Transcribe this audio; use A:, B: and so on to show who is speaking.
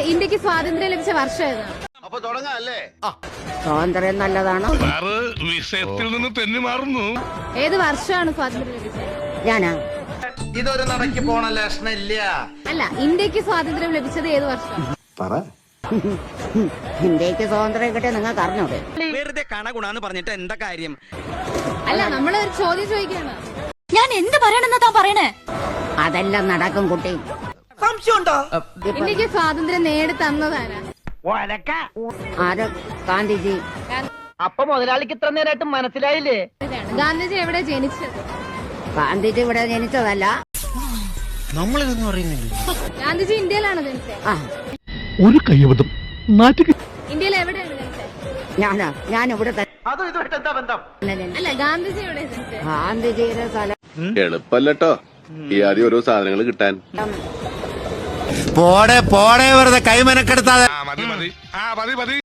A: ഇന്ത്യക്ക് സ്വാതന്ത്ര്യം ലഭിച്ച വർഷം ഏതാണ്?
B: അപ്പൊ തുടങ്ങാല്ലേ?
C: സ്വാതന്ത്ര്യം നല്ലതാണ്.
D: വിഷയത്തിൽ നിന്ന് തെന്നി മാറുന്നു.
A: ഏത് വർഷമാണ് സ്വാതന്ത്ര്യം ലഭിച്ചത്?
C: ഞാനാ
B: ഇതൊരു നടക്ക് പോണ ലക്ഷണില്ല.
A: അല്ല, ഇന്ത്യക്ക് സ്വാതന്ത്ര്യം ലഭിച്ചത് ഏത് വർഷം?
C: ഇന്ത്യക്ക് സ്വാതന്ത്ര്യം കിട്ടിയ നിങ്ങൾക്ക് അറിഞ്ഞൂടെ?
E: വെറുതെ കണകുണാന്ന് പറഞ്ഞിട്ട് എന്താ കാര്യം?
A: അല്ല, നമ്മള് ഒരു ചോദ്യം ചോദിക്കാണ്.
F: ഞാൻ എന്ത് പറയണെന്നാ താൻ പറയണേ?
C: അതെല്ലാം നടക്കും കുട്ടി.
A: ഇന്ത്യക്ക് സ്വാതന്ത്ര്യം നേടി തന്നതാരാ?
C: ആര്? ഗാന്ധിജി.
G: അപ്പൊ മുതലാളിക്ക് ഇത്ര നേരമായിട്ട് മനസ്സിലായില്ലേ?
A: ഗാന്ധിജി എവിടെ ജനിച്ചത്?
C: ഗാന്ധിജി ഇവിടെ ജനിച്ചതല്ല.
E: നമ്മളിതൊന്നും അറിയുന്നില്ല.
A: ഗാന്ധിജി ഇന്ത്യയിലാണ് ജനിച്ചത്.
C: ആ
D: ഒരു കയ്യബദ്ധം നാട്ടിൽ
A: ഇന്ത്യയിൽ എവിടെയാണ് ജനിച്ചത്?
C: ഞാനിവിടെ
B: അതും ഇതുമായിട്ട് എന്താ ബന്ധം?
A: അല്ല, ഗാന്ധിജി എവിടെ ജനിച്ചത്?
C: ഗാന്ധിജിയുടെ സ്ഥലം
H: എളുപ്പല്ലോ ഈ ആദ്യം ഓരോ സാധനങ്ങൾ കിട്ടാൻ.
E: പോടെ വെറുതെ കൈ മെനക്കെടുത്താതെ.
D: മതി മതി.